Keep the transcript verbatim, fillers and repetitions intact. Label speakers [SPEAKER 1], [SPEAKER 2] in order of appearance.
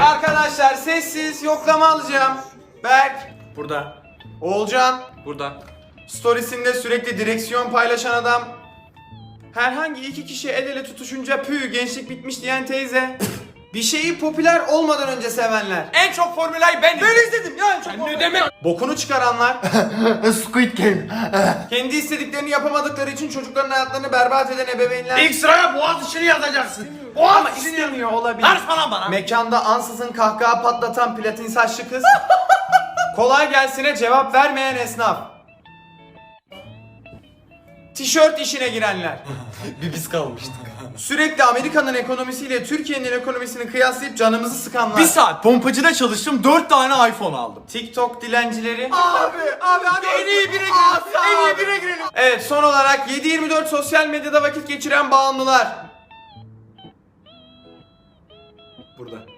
[SPEAKER 1] Arkadaşlar sessiz yoklama alacağım. Berk.
[SPEAKER 2] Burada.
[SPEAKER 1] Oğulcan.
[SPEAKER 2] Burada.
[SPEAKER 1] Storiesinde sürekli direksiyon paylaşan adam. Herhangi iki kişi el ele tutuşunca pü gençlik bitmiş diyen teyze. Bir şeyi popüler olmadan önce sevenler.
[SPEAKER 2] En çok formülayı ben izledim.
[SPEAKER 1] Ben izledim ya en çok.
[SPEAKER 2] Sen ne demek?
[SPEAKER 1] Bokunu çıkaranlar.
[SPEAKER 3] Squid Game.
[SPEAKER 1] Kendi istediklerini yapamadıkları için çocukların hayatlarını berbat eden ebeveynler.
[SPEAKER 2] İlk sıraya boğaz içini yazacaksın.
[SPEAKER 1] Ama
[SPEAKER 2] Boğaz içini yaz.
[SPEAKER 1] istemiyor olabilir.
[SPEAKER 2] Ver falan bana.
[SPEAKER 1] Mekanda ansızın kahkaha patlatan platin saçlı kız. Kolay gelsine cevap vermeyen esnaf. Tişört işine girenler.
[SPEAKER 3] Bir biz kalmıştık.
[SPEAKER 1] Sürekli Amerika'nın ekonomisiyle Türkiye'nin ekonomisini kıyaslayıp canımızı sıkanlar.
[SPEAKER 3] Bir saat pompacıda çalıştım, dört tane iPhone aldım.
[SPEAKER 1] TikTok dilencileri.
[SPEAKER 3] Abi, abi hadi en iyi bire girelim. En iyi bire girelim.
[SPEAKER 1] Evet, son olarak yedi yirmi dört sosyal medyada vakit geçiren bağımlılar.
[SPEAKER 3] Burada.